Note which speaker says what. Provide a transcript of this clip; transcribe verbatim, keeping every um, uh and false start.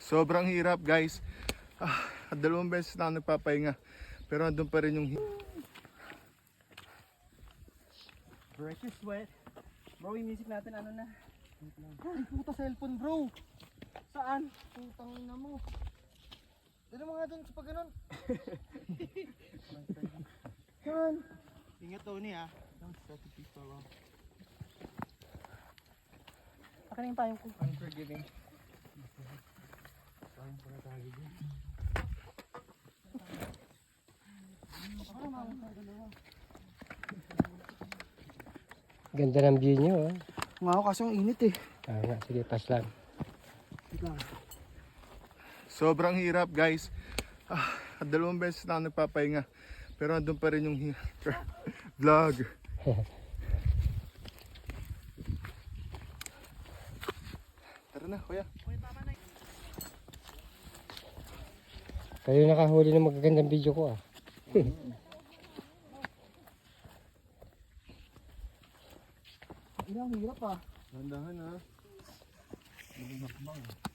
Speaker 1: Sobrang hirap guys. Ah, dalawang beses na ako nagpapahinga. Pero andun pa rin yung hi-
Speaker 2: Break your sweat. Bro, yung music natin ano na? Ay, puta cellphone bro. Saan?
Speaker 3: Putang ina mo. Dali mo nga dun sa pag ganun.
Speaker 2: Saan?
Speaker 3: Ingat Tony ah.
Speaker 2: Akin yung tayong ko.
Speaker 3: Unforgiving.
Speaker 4: Ganda ng view nyo, oh.
Speaker 2: Nga ako kasi ang init eh.
Speaker 4: Ah, nga, sige, pass lang.
Speaker 2: Wait lang.
Speaker 1: sobrang hirap guys. Ah, dalawang beses na ako nagpapahinga. Pero andun pa rin yung hi- vlog. Tara na, kuya.
Speaker 4: Kayo nakahuli ng magagandang video ko, ah.
Speaker 2: Hindi, ang hirap ah.
Speaker 1: Dandahan ha. Malinakbang.